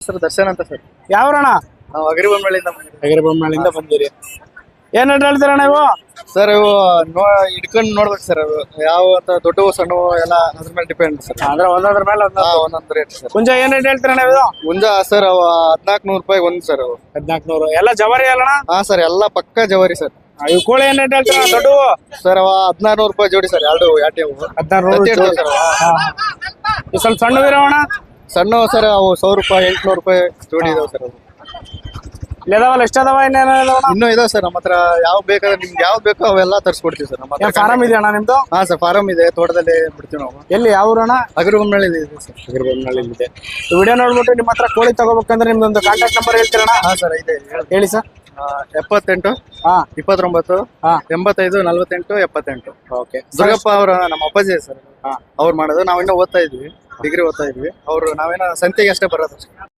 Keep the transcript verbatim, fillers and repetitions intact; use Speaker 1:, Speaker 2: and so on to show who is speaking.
Speaker 1: Sir Darshan ಅಂತ sir.
Speaker 2: ಯಾವ್ರಣ?
Speaker 1: ನಾವು ಅಗರಿಬೊಮ್ಮಳಿಂದ
Speaker 2: ಅಗರಿಬೊಮ್ಮಳಿಂದ ಬಂದಿರಿ. ಏನ್ ರೇಟ್ ಹೇಳ್ತೀರಣ್ಣ ಇವು?
Speaker 1: ಸರ್ ಇವು ನೋ ಹಿಡ್ಕೊಂಡು ನೋಡ್ಬೇಕು ಸರ್. ಅದು ಯಾವ ಅಂತ ದೊಡ್ಡವು ಸಣ್ಣವು ಎಲ್ಲ ಅದ್ರ ಮೇಲೆ ಡಿಪೆಂಡ್ ಸರ್.
Speaker 2: ಅಂದ್ರೆ ಒಂದೊಂದ್ರ ಮೇಲೆ
Speaker 1: ಹಾ ಒಂದೊಂದು ರೇಟ್ ಸರ್.
Speaker 2: ಕುಂಜ ಏನ್ ರೇಟ್ ಹೇಳ್ತೀರಣ್ಣ ಇದು?
Speaker 1: ಮುಂಜ ಸರ್ ಅವ ಹದಿನಾಲ್ಕು ನೂರು ರೂಪಾಯಿ ಒಂದು ಸರ್. ಅವು
Speaker 2: ಹದಿನಾಲ್ಕು ನೂರು ಎಲ್ಲ ಜವಾರಿ ಅಲ್ಲಣ್ಣ?
Speaker 1: ಹಾ ಸರ್ ಎಲ್ಲ ಪಕ್ಕ ಜವಾರಿ ಸರ್.
Speaker 2: ಇವು ಕೋಳಿ ಏನ್ ರೇಟ್ ಹೇಳ್ತೀರ ದೊಡ್ಡವು?
Speaker 1: ಸರ್ ಅವ ಹದಿನಾರು ನೂರು ರೂಪಾಯಿ ಜೋಡಿ ಸರ್. ಎರಡು ಯಾಟಿ ಅವು
Speaker 2: ಹದಿನಾರು ನೂರು
Speaker 1: ಜೊತೆ ಇರ್ತವೆ ಸರ್.
Speaker 2: ಇವು ಸ್ವಲ್ಪ ಸಣ್ಣ ಇರೋಣ?
Speaker 1: ಸಣ್ಣ ಸರ್ ಅವು ಸಾವಿರ ರೂಪಾಯಿ ಎಂಟ್ನೂರು ರೂಪಾಯಿ ಜೋಡಿ ಇದಾವೆ ಸರ್. ಅವು
Speaker 2: ಇದಾವಲ್ಲ ಎಷ್ಟು ಅದಾವ? ಇನ್ನೇನೋ
Speaker 1: ಇನ್ನೂ ಇದಾವೆ ಸರ್ ನಮ್ಮ ಹತ್ರ. ಯಾವ ಬೇಕಾದ್ರೆ ನಿಮ್ಗೆ ಯಾವ್ದು ಬೇಕೋ ಅವೆಲ್ಲ ತರಿಸ್ಕೊಡ್ತೀವಿ ಸರ್ ನಮ್ಮ ಹತ್ರ.
Speaker 2: ಫಾರಂ ಇದೆ ಅಣ್ಣ ನಿಮ್ದು?
Speaker 1: ಹಾ ಸರ್ ಫಾರಂ ಇದೆ, ತೋಟದಲ್ಲಿ ಬಿಡ್ತೀವಿ ನಾವು.
Speaker 2: ಎಲ್ಲಿ ಯಾವ ಊರಣ್ಣ?
Speaker 1: ಅಗರಿಬೊಮ್ಮಳಿ ಇದೆ ಸರ್.
Speaker 2: ಅಗರಿಬೊಮ್ಮಳಿ ಇದೆ. ವಿಡಿಯೋ ನೋಡ್ಬಿಟ್ಟು ನಿಮ್ಮ ಹತ್ರ ಕೋಳಿ ತಗೋಬೇಕಂದ್ರೆ ನಿಮ್ದೊಂದು ಕಾಂಟ್ಯಾಕ್ಟ್ ನಂಬರ್ ಹೇಳ್ತೀರಣ್ಣ?
Speaker 1: ಹಾ ಸರ್ ಇದೆ
Speaker 2: ಹೇಳಿ ಸರ್.
Speaker 1: ಎಪ್ಪತ್ತೆಂಟು
Speaker 2: ಹಾ
Speaker 1: ಇಪ್ಪತ್ತೊಂಬತ್ತು
Speaker 2: ಹಾ
Speaker 1: ಎಂಬತ್ತೈದು ನಲ್ವತ್ತೆಂಟು ಎಪ್ಪತ್ತೆಂಟು.
Speaker 2: ಓಕೆ.
Speaker 1: ದುರ್ಗಪ್ಪ ಅವರ ನಮ್ಮ ಅಪ್ಪಾಜಿ ಸರ್.
Speaker 2: ಹಾ
Speaker 1: ಅವ್ರು ಮಾಡೋದು. ನಾವಿನ್ನೂ ಓದ್ತಾ ಇದ್ವಿ, ಡಿಗ್ರಿ ಓದ್ತಾ ಇದ್ವಿ. ಅವರು ನಾವೇನೋ ಸಂತೆಗೆ ಅಷ್ಟೇ ಬರೋದು.